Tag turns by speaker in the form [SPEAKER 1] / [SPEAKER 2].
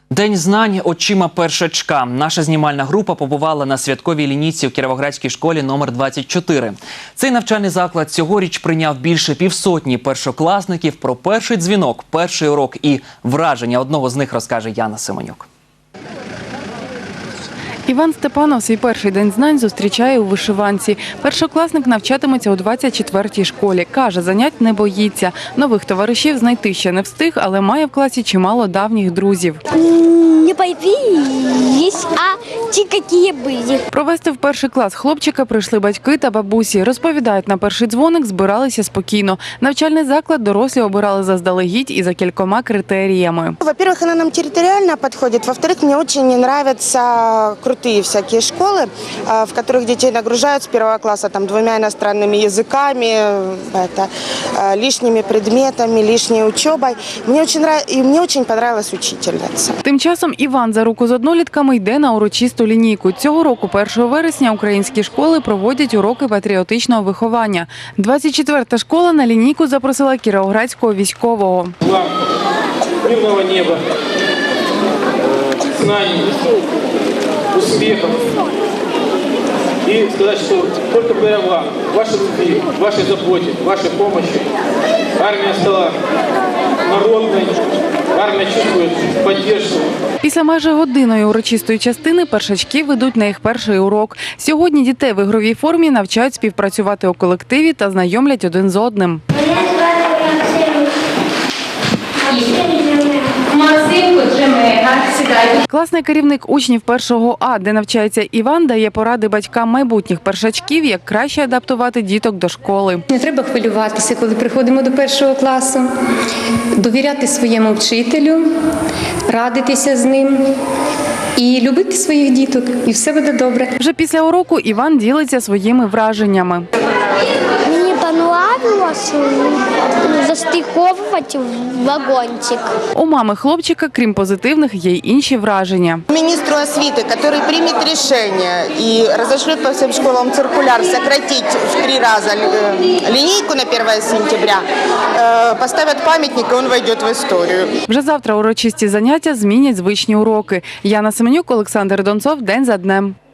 [SPEAKER 1] День знань очима першачка. Наша знімальна група побувала на святковій лінійці в Кіровоградській школі номер 24. Цей навчальний заклад цьогоріч прийняв більше півсотні першокласників. Про перший дзвінок, перший урок і враження одного з них розкаже Яна Семенюк.
[SPEAKER 2] Іван Степанов свій перший день знань зустрічає у вишиванці. Першокласник навчатиметься у 24-й школі. Каже, занять не боїться. Нових товаришів знайти ще не встиг, але має в класі чимало давніх друзів.
[SPEAKER 3] Не появились, а ті, які були.
[SPEAKER 2] Провести в перший клас хлопчика прийшли батьки та бабусі. Розповідають, на перший дзвоник збиралися спокійно. Навчальний заклад дорослі обирали заздалегідь і за кількома критеріями.
[SPEAKER 4] Во-первых, она нам территориально подходит. Во-вторых, мне очень нравятся крутые всякие школы, в которых детей нагружают с первого класса там 2 иностранными языками, лишними предметами, лишней учебой. Мне очень понравилась учительница.
[SPEAKER 2] Тим часом Іван за руку з однолітками йде на урочисту лінійку. Цього року, 1 вересня, українські школи проводять уроки патріотичного виховання. 24-та школа на лінійку запросила кіровоградського військового.
[SPEAKER 5] Вам мирного неба, знаний, успехов. И сказать, что только благодаря вам, вашей любви, вашей заботе, вашей помощи армия стала народной, армия чувствует поддержку.
[SPEAKER 2] Після майже годинної урочистої частини першачки ведуть на їх перший урок. Сьогодні дітей в ігровій формі навчають співпрацювати у колективі та знайомлять один з одним. Класний керівник учнів 1 А, де навчається Іван, дає поради батькам майбутніх першачків, як краще адаптувати діток до школи.
[SPEAKER 6] Не треба хвилюватися, коли приходимо до 1 класу, довіряти своєму вчителю, радитися з ним і любити своїх діток, і все буде добре.
[SPEAKER 2] Вже після уроку Іван ділиться своїми враженнями.
[SPEAKER 3] Мені понравилось застиковувати вагончик.
[SPEAKER 2] У мами хлопчика, крім позитивних, є й інші враження.
[SPEAKER 4] Министру освиты, который примет решение и разошлет по всем школам циркуляр сократить в 3 раза линейку на 1 сентября, поставят памятник, и он войдет в историю.
[SPEAKER 2] Вже завтра урочисті заняття змінять звичні уроки. Яна Семенюк, Олександр Донцов. День за днем.